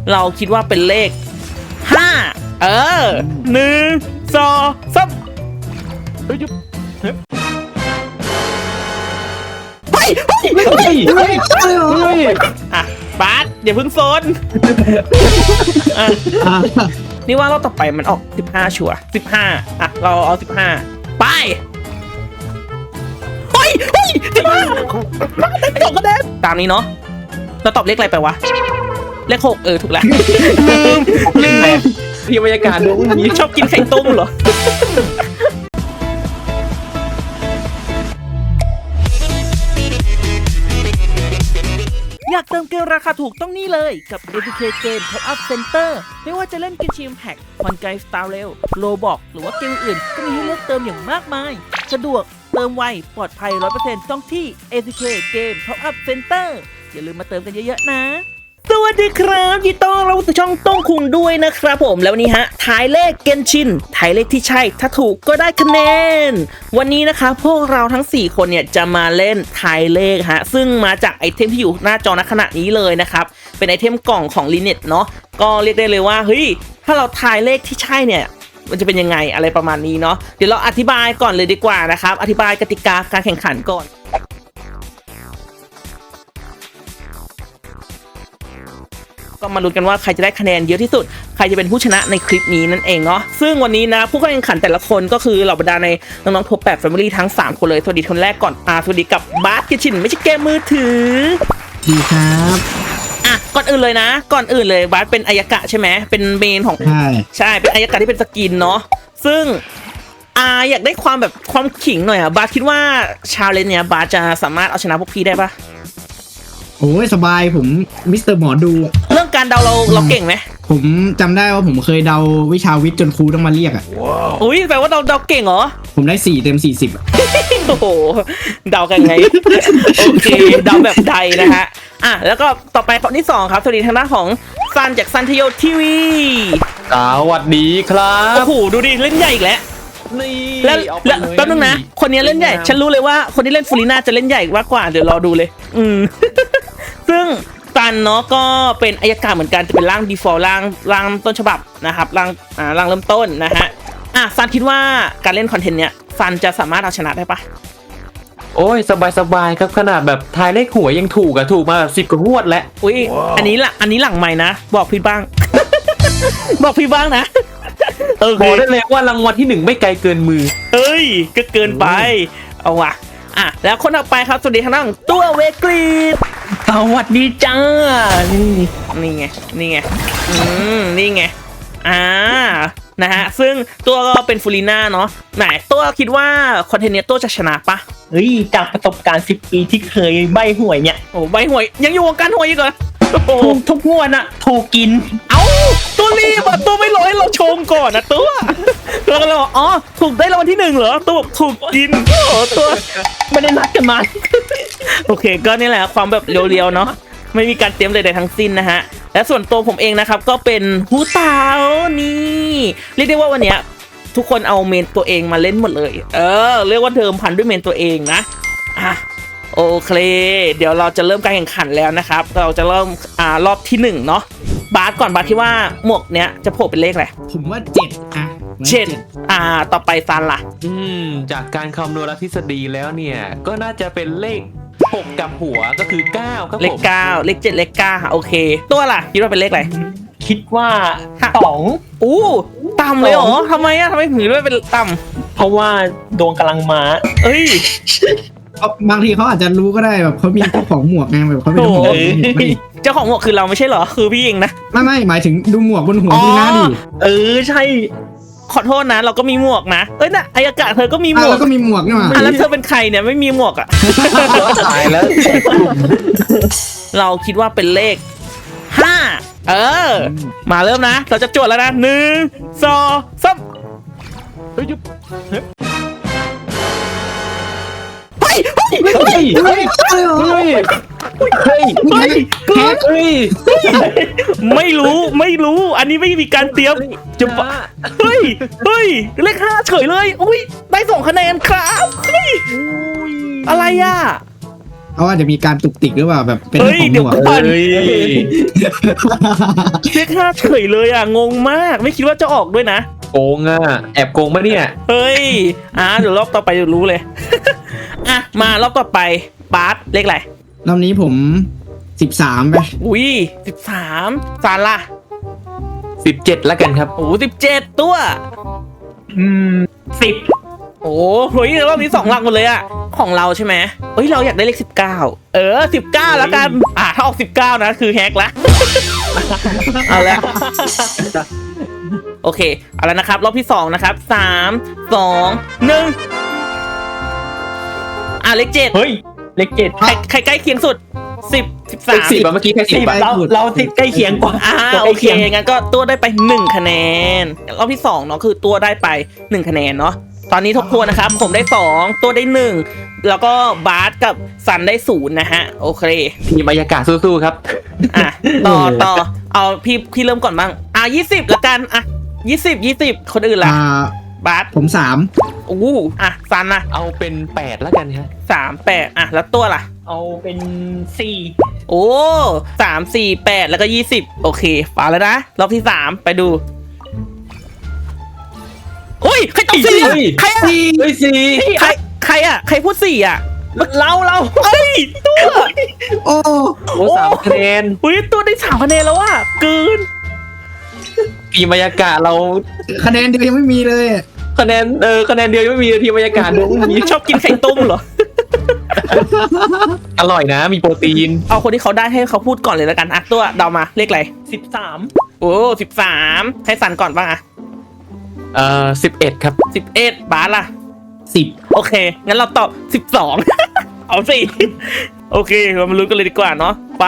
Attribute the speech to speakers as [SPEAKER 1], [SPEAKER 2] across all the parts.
[SPEAKER 1] เราคิดว่าเป็นเลข51 2 3อ่ะบาสอย่าเพิ่งโซนอ่ะนี่ว่ารอบต่อไปมันออก15ชัวร์15อ่ะเราเอา15ไปเฮ้ย15จบคะแนนตามนี้เนาะเราตอบเลขอะไรไปวะเลข6ถูกแล้วลืม
[SPEAKER 2] ที่บรรยากาศดูนี้
[SPEAKER 1] ชอบกินไข่ต้มเหรออยากเติมเกมราคาถูกต้องนี่เลยกับ APK Game Top Up Center ไม่ว่าจะเล่นกินชิมแพ็กคอนไกสตาร์เรลโลบอกหรือว่าเกมอื่นก็มีให้เลือกเติมอย่างมากมายสะดวกเติมไวปลอดภัย 100% ต้องที่ APK Game Top Up Center อย่าลืมมาเติมกันเยอะๆนะสวัสดีครับยินดีต้อนรับสู่ช่องต้องคุงด้วยนะครับผมแล้ววันนี้ทายเลขเกนชินทายเลขที่ใช่ถ้าถูกก็ได้คะแนนวันนี้นะคะพวกเราทั้ง4คนเนี่ยจะมาเล่นทายเลขซึ่งมาจากไอเทมที่อยู่หน้าจอณขณะนี้เลยนะครับเป็นไอเทมกล่องของ Linet เนาะก็เรียกได้เลยว่าเฮ้ยถ้าเราทายเลขที่ใช่เนี่ยมันจะเป็นยังไงอะไรประมาณนี้เนาะเดี๋ยวเราอธิบายก่อนเลยดีกว่านะครับอธิบายกติกาการแข่งขันก่อนก็มาลุ้นกันว่าใครจะได้คะแนนเยอะที่สุดใครจะเป็นผู้ชนะในคลิปนี้นั่นเองเนาะซึ่งวันนี้นะผู้เข้าแข่งขันแต่ละคนก็คือเหล่าบรรดาในน้องๆท็อป8 Family ทั้ง3คนเลยสวัสดีคนแรกก่อนสวัสดีกับบาสกิชินไม่ใช่เกมมือถือ
[SPEAKER 3] ดีครับ
[SPEAKER 1] ก่อนอื่นเลยนะก่อนอื่นเลยบาสเป็นอายากะใช่ไหมเป็นเมนของใช่เป็นอายากะที่เป็นสกินเนาะซึ่งอยากได้ความแบบความขิงหน่อยบาสคิดว่าชาเลนจ์เนี่ยบาสจะสามารถเอาชนะพวกพี่ได้ปะ
[SPEAKER 3] โอ้ยสบายผมมิสเตอร์หมอดู
[SPEAKER 1] เรื่องการเดาเราเก่งไหม
[SPEAKER 3] ผมจำได้ว่าผมเคยเดาวิชาวิทย์จนครูต้องมาเรียก
[SPEAKER 1] อุ้ยแปลว่าเดาเก่งเหรอ
[SPEAKER 3] ผมได้4 เต็ม 40
[SPEAKER 1] โอ้โหเดากันไงโอเคเดาแบบใดนะฮะแล้วก็ต่อไปคนที่2ครับสวัสดีทางด้านของซันจากซันทโยทีวี
[SPEAKER 2] สวัสดีครับ
[SPEAKER 1] โอ้โหดูดิเล่นใหญ่อีกแล้วแล้วแป๊บนึงนะคนนี้เล่นใหญ่ฉันรู้เลยว่าคนที่เล่นฟูลิน่าจะเล่นใหญ่มากกว่าเดี๋ยวรอดูเลยซึ่งซันเนาะก็เป็นอายการเหมือนกันจะเป็นร่าง default ร่างต้นฉบับนะครับร่างเริ่มต้นนะฮะซันคิดว่าการเล่นคอนเทนต์เนี้ยซันจะสามารถเอาชนะได้ปะ
[SPEAKER 2] โอ้ยสบายครับขนาดแบบทายเลขหวยยังถูกมา10 กว่างวดแล้ว
[SPEAKER 1] อุ้ยอันนี้หลังใหม่นะบอกพี่บ้าง บอกพี่บ้างนะ
[SPEAKER 2] บอกได้เลยว่ารางวัลที่1ไม่ไกลเกินมือ
[SPEAKER 1] เฮ้ยก็เกินไปเอาว่ะแล้วคนต่อไปครับสวัสดีทางด้านตัวเวกรีด
[SPEAKER 2] สวัสดีจ้า
[SPEAKER 1] นี่ไงนี่ไงนะฮะซึ่งตัวก็เป็นฟูลิน่าเนาะไหนตัวคิดว่าคอนเทนต์เนี้ยตัวจะชนะปะ
[SPEAKER 4] เฮ้ยจากประสบการณ์10 ปีที่เคยใบหวยเนี่ย
[SPEAKER 1] โอ้ใบหวยยังอยู่วงการหวยอีกเหรอ
[SPEAKER 4] ถูกทุกงวดถูกกิน
[SPEAKER 1] ตัวรีบตัวไม่รอให้เราชมก่อนนะตัวก็เลยบอกถูกได้รางวัลที่1เหรอตัวถูกกินตัว
[SPEAKER 4] ไม่ได้นัดกันมา
[SPEAKER 1] โอเคก็นี่แหละความแบบเรียวๆเนาะไม่มีการเตรียมใดๆทั้งสิ้นนะฮะและส่วนตัวผมเองนะครับก็เป็นหูเต่านี่เรียกได้ว่าวันเนี้ยทุกคนเอาเมนตัวเองมาเล่นหมดเลยเรียกว่าเดิมพันด้วยเมนตัวเองนะโอเคเดี๋ยวเราจะเริ่มการแข่งขันแล้วนะครับเราจะเริ่มรอบที่1เนาะบาสก่อนบาสคิดว่าหมวกเนี้ยจะโผล่เป็นเลขอะไร
[SPEAKER 3] ผมว่า
[SPEAKER 1] 7ต่อไปซันล่ะ
[SPEAKER 2] จากการคำนวณทฤษฎีแล้วเนี่ยก็น่าจะเป็นเลข6กับหัวก็คือ9ครับผม
[SPEAKER 1] เลข9เลข7เลข9โอเคตัวล่ะคิดว่าเป็นเลขอะไร
[SPEAKER 4] คิดว่า
[SPEAKER 1] 2ต่ำเลยเหรอทำไมถึงด้วยเป็นต่
[SPEAKER 4] ำเพราะว่าดวงกำลังมา
[SPEAKER 3] บางทีเขาอาจจะรู้ก็ได้แบบเขามีเจ้าของหมวกไงแบบเขาเป็น
[SPEAKER 1] เจ้าของหมวกคือเราไม่ใช่เหรอคือพี่เองนะ
[SPEAKER 3] ไม่หมายถึงดูหมวกบนหัวพี่นะดิ
[SPEAKER 4] ใช่
[SPEAKER 1] ขอโทษนะเราก็มีหมวกนะอายอากาศเธอก็มีหมวก
[SPEAKER 3] ก็มีหมวกนี่มา
[SPEAKER 1] แล้วเธอเป็นใครเนี่ยไม่มีหมวก
[SPEAKER 2] ตายแล้ว
[SPEAKER 1] เราคิดว่าเป็นเลข5มาเริ่มนะเราจะจวดแล้วนะ1 2 3ไม่รู้อันนี้ไม่มีการเตรียมจะเฮ้ยเลข5เฉยเลยอุ้ยได้2 คะแนนครับอะไร
[SPEAKER 3] เพราะว่าจะมีการตุกติกหรือเปล่าแบบเป็น
[SPEAKER 1] เฮ้ย
[SPEAKER 3] ของ
[SPEAKER 1] เดี๋ยว
[SPEAKER 3] หัว
[SPEAKER 1] ก่อน
[SPEAKER 2] เฮ้ย
[SPEAKER 1] เลข5เฉยเลยอ่ะงงมากไม่คิดว่าจะออกด้วยนะ
[SPEAKER 2] โกงอ่ะแอบโกงปะเนี่ย
[SPEAKER 1] เฮ้ยเดี๋ยวรอบต่อไปเดี๋ยวรู้เลย อ่ะมารอบต่อไปบาสเลขอะไร
[SPEAKER 3] รอบนี้ผม13ไป
[SPEAKER 1] อุ้ย13ซาร่า
[SPEAKER 2] 17แล้วกันครับ
[SPEAKER 1] โอ้17ตัว
[SPEAKER 4] 10
[SPEAKER 1] โอ้โหรอบนี้2หลักหมดเลยอะของเราใช่ไหมเฮ้ยเราอยากได้เลข1919แล้วกันถ้าออก19นะคือแฮกละ เอาละโอเคเอาแล้วนะครับรอบที่2นะครับ3 2 1เลข7
[SPEAKER 4] เฮ้ยเลข7
[SPEAKER 1] ใครใกล้เคียงสุด10
[SPEAKER 2] สิบ
[SPEAKER 1] 13
[SPEAKER 2] เมื่อกี้แค่10อ่ะ
[SPEAKER 4] เราสิใกล้เคียงกว่า
[SPEAKER 1] โอ
[SPEAKER 4] ใกล้
[SPEAKER 1] เค
[SPEAKER 4] เคียง
[SPEAKER 1] งั้นก็ตัวได้ไป1คะแนนรอบที่2เนาะคือตัวได้ไป1คะแนนเนาะตอนนี้ทบทวนนะครับผมได้2ตัวได้1แล้วก็บาสกับซันได้0นะฮะโอเค
[SPEAKER 2] ทีมบรรยากาศสู้ๆครับ
[SPEAKER 1] ต่อเอาพี่เริ่มก่อนบ้าง20ละกัน20คนอื่นล่ะ บาส
[SPEAKER 3] ผม
[SPEAKER 1] ซันนะ
[SPEAKER 2] เอาเป็น8แล้วกันครับ
[SPEAKER 1] 38แล้วตัวล่ะ
[SPEAKER 4] เอาเป็น
[SPEAKER 1] โอ้3 4 8แล้วก็20โอเคมาแล้วนะรอบที่3ไปดูอุ้ยใครตอบสี่
[SPEAKER 2] เฮ้ย
[SPEAKER 1] ใครอะ
[SPEAKER 2] เฮ้ยสี่
[SPEAKER 1] ใครอะใครพูด4อะ
[SPEAKER 4] 4เรา
[SPEAKER 1] เฮ้ยตัว
[SPEAKER 3] โอ้
[SPEAKER 2] โอ้3คะแนน
[SPEAKER 1] อุ้ยตัวได้3คะแนนแล้วอะเกิน
[SPEAKER 2] ทีมบรรยากาศเรา
[SPEAKER 3] คะแนนเดียวยังไม่มีเลย
[SPEAKER 2] คะแนนคะแนนเดียวยังไม่มีทีมบรรยากาศเดียวไม่มี
[SPEAKER 1] ชอบกินไข่ต้มเหรอ
[SPEAKER 2] อร่อยนะมีโปรตีน
[SPEAKER 1] เอาคนที่เขาได้ให้เขาพูดก่อนเลยแล้วกันอะตัวเดามาเลขอะไร
[SPEAKER 4] 13
[SPEAKER 1] โอ้13ให้สันก่อนบ้างอะ
[SPEAKER 2] 11ครับ
[SPEAKER 1] 11บาสล่ะ
[SPEAKER 3] 10
[SPEAKER 1] โอเค งั้นเราตอบ12 เอาสิ โอเค เรามาลุ้นกันเลยดีกว่าเนาะ ไป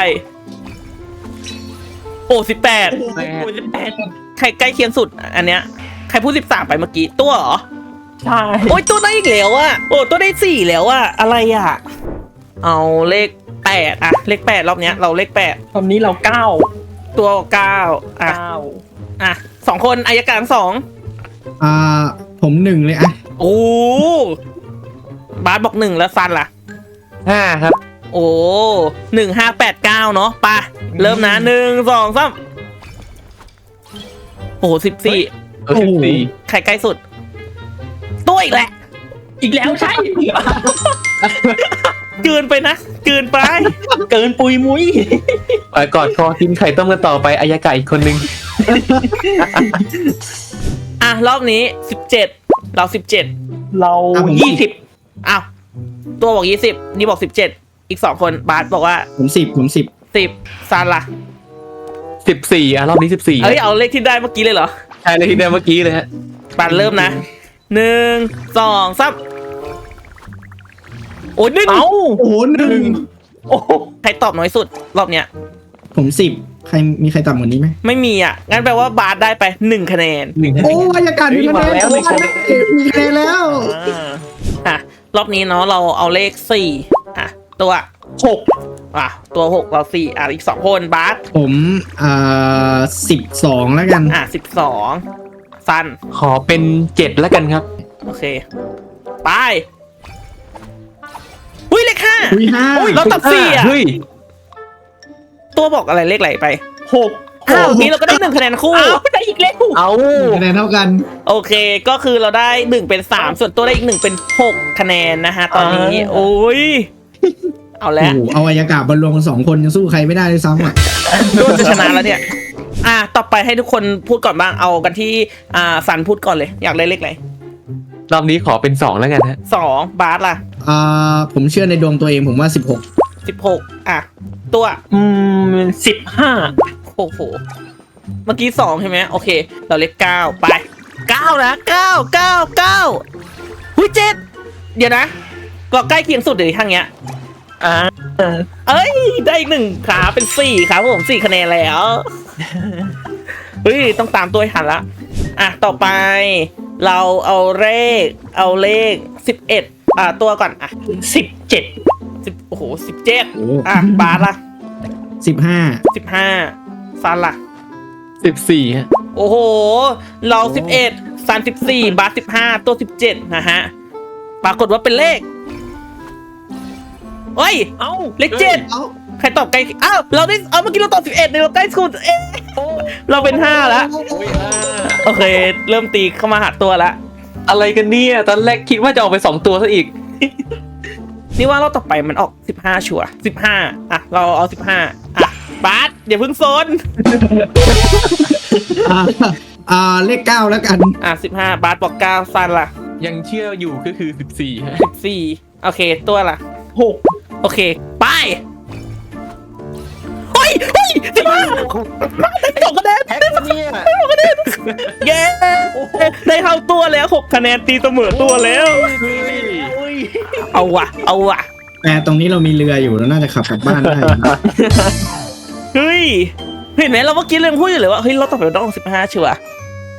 [SPEAKER 1] โอ้18ใครใกล้เคียงสุด อันเนี้ย ใครพูด13ไปเมื่อกี้ ตัวเหรอ
[SPEAKER 4] ใช่
[SPEAKER 1] โอ้ยตัวได้อีกแล้วอะโอ้ตัวได้4แล้วอะอะไรอะเอาเลข8อะเลข8รอบเนี้ย เราเลข8
[SPEAKER 4] ตอนนี้เรา9
[SPEAKER 1] ตัว9อ่ะ2คนอายการ2
[SPEAKER 3] ผม1เลยอะ
[SPEAKER 1] โอ้บาสบอก1แล้วซันล่ะ
[SPEAKER 2] 5ครับ
[SPEAKER 1] โอ้1589เนาะไปเริ่มนะ1 2 3โอ้14ใครใกล้สุด ตัวอีกแหละ
[SPEAKER 4] อีกแล้วใช่
[SPEAKER 1] เกินไปนะเกินไป
[SPEAKER 4] เกินปุยมุ้ย
[SPEAKER 2] ไปกอดคอกินไข่ต้มกันต่อไปอายากาอีกคนนึง
[SPEAKER 1] รอบนี้17เรา17
[SPEAKER 4] เรา
[SPEAKER 1] อ้าวตัวบอก20นี่บอก17อีก2คนบาสบอกว่า
[SPEAKER 3] ผม10
[SPEAKER 1] 10ซันล่ะ
[SPEAKER 2] 14รอบนี้14
[SPEAKER 1] เอ้ยเอาเลขที่ได้เมื่อกี้เลยเหรอ
[SPEAKER 2] ใช่เลยที่เดิมเมื่อกี้เลยฮะ
[SPEAKER 1] ปันเริ่มนะ1 2 3โอ้ย1
[SPEAKER 4] เอ้า
[SPEAKER 3] โอ้หนึ่ง
[SPEAKER 4] โอ้โห
[SPEAKER 1] ใครตอบน้อยสุดรอบเนี้ย
[SPEAKER 3] ผม10มีใครต่ำกว่านี้ไหม
[SPEAKER 1] ไม่มีอ่ะ งั้นแปลว่าบาสได้ไป1คะแนน
[SPEAKER 2] 1
[SPEAKER 3] โอ้บรรยากาศมีคะแนนแล้วมีคะแนนแล้ว
[SPEAKER 1] รอบนี้เนาะเราเอาเลข4ตัว6ตัว6เรา4อีก2คนบาส
[SPEAKER 3] ผม12แล้วกัน
[SPEAKER 1] 12ซัน
[SPEAKER 2] ขอเป็น7แล้วกันครับ
[SPEAKER 1] โอเค ไปอุ้ยเลข5
[SPEAKER 3] อุ้ย5
[SPEAKER 1] เราตอบ4อ่ะ
[SPEAKER 2] เฮ้ย
[SPEAKER 1] ตัวบอกอะไรเลขไหลไป
[SPEAKER 4] 6
[SPEAKER 1] นี้เราก็ได้1คะแนนคู่
[SPEAKER 4] ได้อีกแล้ว
[SPEAKER 2] เอา
[SPEAKER 3] คะแนนเท่ากัน
[SPEAKER 1] โอเค ก็คือเราได้1เป็น3ส่วนตัวได้อีก1เป็น6คะแนนนะฮะตอนนี้ โอ้ย เอา
[SPEAKER 3] โอ้
[SPEAKER 1] แล้ว
[SPEAKER 3] โหเอาบรรยากาศบรรลงกัน2 คนยังสู้ใครไม่ได้เลยซ้ำอ่ะ
[SPEAKER 1] ตัวจะชนะแล้วเนี่ย ต่อไปให้ทุกคนพูดก่อนบ้าง เอากันที่สันพูดก่อนเลย อยากได้เลขอะไร
[SPEAKER 2] รอบนี้ขอเป็น2แล้วกันฮะ
[SPEAKER 1] 2บาสล่ะ
[SPEAKER 3] ผมเชื่อในดวงตัวเองผมว่า16
[SPEAKER 1] 16ตัว
[SPEAKER 4] 15
[SPEAKER 1] โอ้โห เมื่อกี้2ใช่ไหมโอเค เราเลข9ไป9นะ9หุ้ย7เดี๋ยวนะก็ใกล้เคียงสุดเลยทางเนี้ย เอ้ย ได้อีก1ขาเป็น4ครับผม4คะแนนแล้ว เฮ้ย ต้องตามตัวให้ทันละต่อไป เราเอาเลข11ตัวก่อน
[SPEAKER 4] 17
[SPEAKER 1] โอ้โห17บาสล่ะ
[SPEAKER 3] 15
[SPEAKER 1] 15ซันล่ะ
[SPEAKER 2] 14ฮะ
[SPEAKER 1] โอ้โห เรา11ซัน14บาส15ตัว17นะฮะปรากฏว่าเป็นเลขเฮ้ย
[SPEAKER 4] เอ้า
[SPEAKER 1] เลขเจ็ด
[SPEAKER 3] เอ้า
[SPEAKER 1] ใครตอบใกล้อ้าวเราได้เมื่อกี้เราตอบ11เนี่ยเราใกล้สุดเราเป็น5แล้ว
[SPEAKER 2] โอ้ยอ่า
[SPEAKER 1] โอเค เริ่มตีเข้ามาหาตัวละ
[SPEAKER 2] อะไรกันเนี่ยตอนแรกคิดว่าจะออกไป2ตัวซะอีก
[SPEAKER 1] นี่ว่าเราต่อไปมันออก15ชัวร์15อ่ะเราเอา15อ่ะบาสอย่าเพิ่งโซน
[SPEAKER 3] อ่าเลข 9 แล้วกัน
[SPEAKER 1] อ่ะ15บาสบอก9ซันล่ะ
[SPEAKER 2] ยังเชื่ออยู่ก็คือ14ฮะ
[SPEAKER 1] 14โอเคตัวล่ะ
[SPEAKER 4] 6
[SPEAKER 1] โอเคไปเฮ้ย15 2คะแนน
[SPEAKER 2] แท็กเนี่ย
[SPEAKER 1] เย้ได้เข้าตัวแล้ว6คะแนนตีเสมอตัวแล้ว เอาว่ะเอาว่ะ
[SPEAKER 3] แต่ตรงนี้เรามีเรืออยู่แล้วน่าจะขับกลับบ้านได้
[SPEAKER 1] เฮ้ยเห็นไหมเราเมื่อกี้เรื่องพูดอยู่เลยว่าเฮ้ยเราต่อไปมันต้องออก15ชัวร์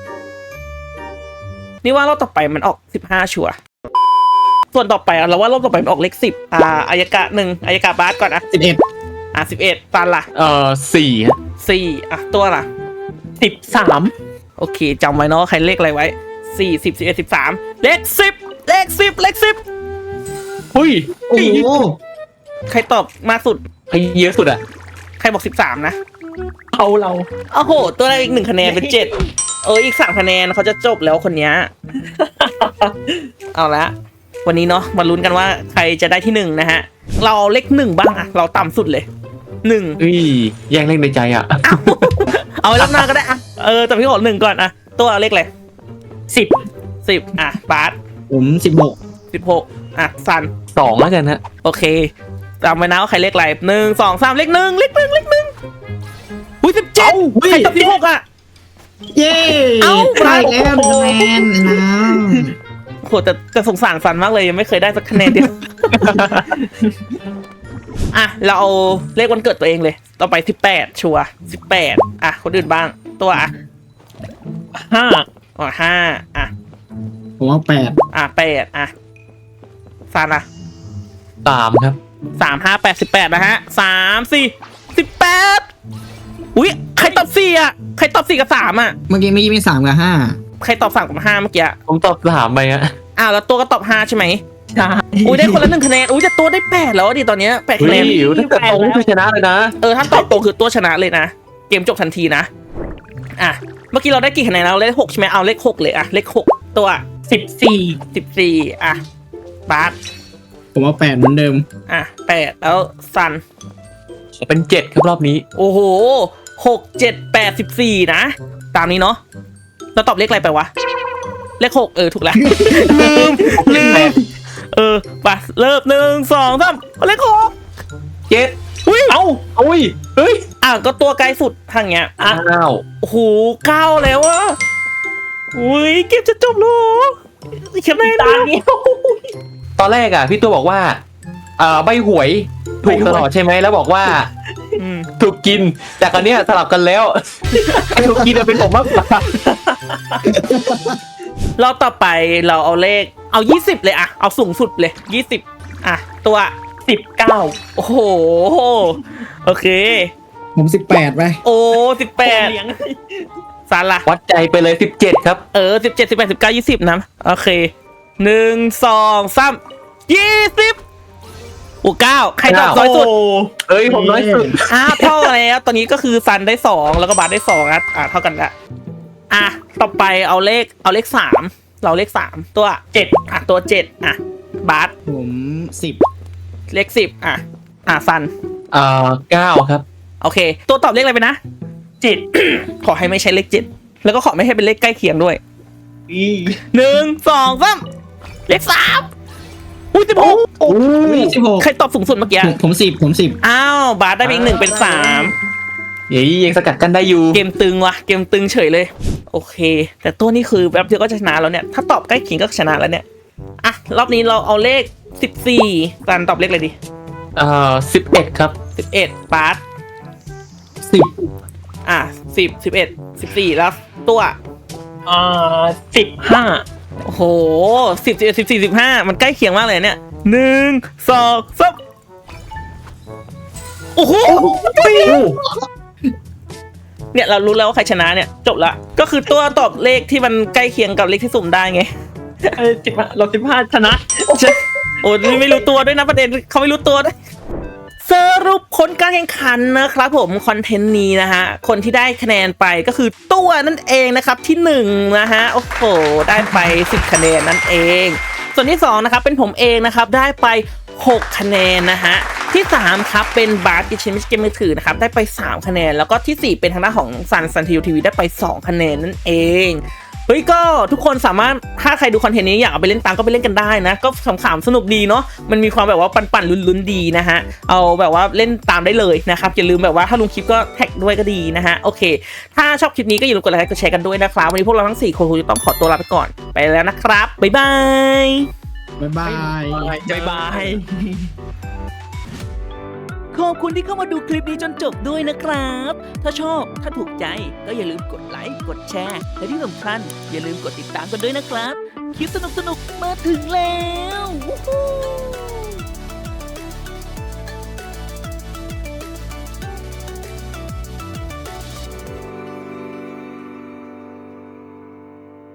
[SPEAKER 1] นี่ว่าเราต่อไปมันออก15ชัวร์ส่วนต่อไปเราว่ารอบต่อไปมันออกเลข10อายกะ1อายกะบาสก่อนอ่ะ
[SPEAKER 3] 11
[SPEAKER 1] 11ตันล่ะ
[SPEAKER 2] 4ฮะ
[SPEAKER 1] 4อ่ะตัวล่ะ
[SPEAKER 4] 13
[SPEAKER 1] โอเคจำไว้เนาะใครเลขอะไรไว้4 10 11 13เลข10เลข10
[SPEAKER 2] อุ้ย
[SPEAKER 3] โอ้โห
[SPEAKER 1] ใครตอบมากสุด
[SPEAKER 2] ใครเยอะสุดอ่ะ
[SPEAKER 1] ใครบอก13นะ
[SPEAKER 4] เอาเรา
[SPEAKER 1] โอ้โหตัวได้อีก1คะแนนเป็น7อีก3คะแนนเขาจะจบแล้วคนเนี้ย เอาละวันนี้เนาะมาลุ้นกันว่าใครจะได้ที่1นะฮะเราเอาเลข1บ้างอะเราต่ำสุดเลย1
[SPEAKER 2] อุ้ยแย่งเล่นในใจอ่ะ
[SPEAKER 1] เอาไว้รอบหน้าก็ได้อะแต่พี่ขอ1ก่อนอะตัวเอาเลขอะไร 10อ่ะบาส
[SPEAKER 3] ผม 16
[SPEAKER 1] 16อ่ะซัน
[SPEAKER 2] 2แล้วกันฮะ
[SPEAKER 1] โอเคจำไว้นะว่าใครเลขอะไร1 2 3เลข1อุ้ย17ใครตอบ16อะ
[SPEAKER 3] เย้
[SPEAKER 1] เอ้า
[SPEAKER 3] ได้แล้ว1คะแนนนะ
[SPEAKER 1] โหแต่สงสารซันมากเลยยังไม่เคยได้สักคะแนนเดียว อ่ะเราเอาเลขวันเกิดตัวเองเลย ต่อไป18ชัวร์18อ่ะคนอื่นบ้างตัวอ่ะ
[SPEAKER 4] 5
[SPEAKER 1] อ๋อ5อ่ะ
[SPEAKER 3] ผมว่า8
[SPEAKER 1] 8อ่ะซันอ่ะ
[SPEAKER 2] 3ครับ
[SPEAKER 1] 3 5 8 18นะฮะ3 4 18อุ้ยใครตอบ4อ่ะใครตอบ4กับ3อ่ะ
[SPEAKER 3] เมื่อกี้มี3 กับ
[SPEAKER 1] ใครตอบ3กับ5เมื่อกี้อะ
[SPEAKER 2] ผมตอบ3ไปฮะ
[SPEAKER 1] อ้าวแล้วตัวก็ตอบ5ใช่ไหม
[SPEAKER 4] ใช่
[SPEAKER 1] อุ้ยได้คนละ1คะแนนอุ้ยแต่ตัวได้8แล้วดิตอนเนี้ย8
[SPEAKER 2] เฮ้
[SPEAKER 1] คะแน
[SPEAKER 2] ย
[SPEAKER 1] น
[SPEAKER 2] ถ้าเกิดตรงคือชนะเลยนะ
[SPEAKER 1] ถ้าตอบตรงคือตัวชนะเลยนะ เกมจบทันทีนะ อ่ะ เมื่อกี้เราได้กี่คะแนนเราเลข6ใช่ไหมเอาเลข6เลยอ่ะ เลข6ตัว
[SPEAKER 4] 14
[SPEAKER 1] 14อ่ะบาส
[SPEAKER 3] 5 ผมว่า8เหมือนเดิม
[SPEAKER 1] อ่ะ8แล้วซัน
[SPEAKER 2] เป็น 7 ครับรอบนี้
[SPEAKER 1] โอ้โห6 7 8 14นะตามนี้เนาะเราตอบเลขอะไรไปวะเลข6ถูกแล้ว ลืมไปเริ่ม1 2 3เลข6
[SPEAKER 2] 7
[SPEAKER 1] อุ้ย
[SPEAKER 2] เอ้าอุ้ยเฮ้ย
[SPEAKER 1] ก็ตัวไกลสุดทางเนี้ย
[SPEAKER 2] อ้าว
[SPEAKER 1] โอ้โห9แล้วอะอุ้ยเกมจะจบแล้วอีกแค่ไหน
[SPEAKER 4] ตา
[SPEAKER 1] นะ
[SPEAKER 4] เดียว
[SPEAKER 2] ตอนแรกอ่ะพี่ตัวบอกว่าใบหวยถูกตลอดใช่ไหมแล้วบอกว่า
[SPEAKER 1] อืม
[SPEAKER 2] ถูกกินแต่คราวเนี้ยสลับกันแล้ว ไอ้ถูกกินอะเป็นผมมากกว่า
[SPEAKER 1] เราต่อไปเราเอาเลขเอา20เลยอะเอาสูงสุดเลย20อ่ะตัว
[SPEAKER 4] 19
[SPEAKER 1] โอ้โหโอเค
[SPEAKER 3] ผม 18 ไป
[SPEAKER 1] โอ้
[SPEAKER 4] เลี้ย
[SPEAKER 1] 18
[SPEAKER 4] ง
[SPEAKER 1] สารละ
[SPEAKER 2] วัดใจไปเลย17ครับ
[SPEAKER 1] 17 18 19 20นะโอเค1 2 3 20โอ้9ใครตอบน้อยสุด
[SPEAKER 2] เอ้ยผมน้อยสุด
[SPEAKER 1] เท่าแล้วตอนนี้ก็คือซันได้2แล้วก็บาสได้2นะเท่ากันละต่อไปเอาเลข3เราเลข3ตัว7ตัว7บาส
[SPEAKER 3] ผม
[SPEAKER 1] เลข10ซัน
[SPEAKER 2] 9ครับ
[SPEAKER 1] โอเค ตัวตอบเลขอะไรไปนะ
[SPEAKER 4] 7
[SPEAKER 1] ขอให้ไม่ใช่เลข7แล้วก็ขอไม่ให้เป็นเลขใกล้เคียงด้วย
[SPEAKER 4] อี
[SPEAKER 1] 1 2 3เลข3อุ้ย16
[SPEAKER 3] โอ้ย
[SPEAKER 1] ใครตอบสูงสุดเมื่อกี้
[SPEAKER 3] 16 ผม 10
[SPEAKER 1] อ้าวบาสได้ไปอีก1เป็น3
[SPEAKER 2] เฮ้ยยังสกัดกันได้อยู่
[SPEAKER 1] เกมตึงว่ะเกมตึงเฉยเลยโอเค แต่ตัวนี้คือแบบเดียวก็จะชนะแล้วเนี่ยถ้าตอบใกล้เคียงก็ชนะแล้วเนี่ยรอบนี้เราเอาเลข14ซันตอบเลขอะไรดี
[SPEAKER 2] 11ครับ
[SPEAKER 1] 11บาส
[SPEAKER 3] 10
[SPEAKER 1] 10 11 14แล้วตัว
[SPEAKER 4] 15
[SPEAKER 1] โอ้โห10 11 14 15มันใกล้เคียงมากเลยเนี่ย1 2 3โอ้โหเนี่ยเรารู้แล้วว่าใครชนะเนี่ยจบละก็คือตัวตอบเลขที่มันใกล้เคียงกับเลขที่สุ่มได้ไง
[SPEAKER 4] 15เรา15ชนะ
[SPEAKER 1] โอ้ยไม่รู้ตัวด้วยนะประเด็นเขาไม่รู้ตัวด้วยสรุปผลการแข่งขันนะครับผมคอนเทนต์นี้นะฮะคนที่ได้คะแนนไปก็คือตัวนั่นเองนะครับที่1นะฮะโอ้โหได้ไป10คะแนนนั่นเองส่วนที่2นะครับเป็นผมเองนะครับได้ไป6คะแนนนะฮะที่3ครับเป็นบาร์กิชิมิชเกมมือถือนะครับได้ไป3คะแนนแล้วก็ที่4เป็นทางด้านของซันทีวีได้ไป2คะแนนนั่นเองเฮ้ยก็ทุกคนสามารถถ้าใครดูคอนเทนต์นี้อยากเอาไปเล่นตามก็ไปเล่นกันได้นะก็ขำๆสนุกดีเนาะมันมีความแบบว่าปั่นๆลุ้นๆดีนะฮะเอาแบบว่าเล่นตามได้เลยนะครับอย่าลืมแบบว่าถ้าลงคลิปก็แท็กด้วยก็ดีนะฮะโอเคถ้าชอบคลิปนี้ก็อย่าลืมกดไลค์กดแชร์กันด้วยนะครับวันนี้พวกเราทั้ง4คนคงจะต้องขอตัวลาไปก่อนไปแล้วนะครับบ๊ายบาย
[SPEAKER 3] บ๊ายบาย
[SPEAKER 2] บ๊ายบาย
[SPEAKER 1] ขอบคุณที่เข้ามาดูคลิปนี้จนจบด้วยนะครับ ถ้าชอบถ้าถูกใจก็อย่าลืมกดไลค์กดแชร์และที่สำคัญอย่าลืมกดติดตามกันด้วยนะครับคลิปสนุกๆมาถึงแล้ววู้ฮู้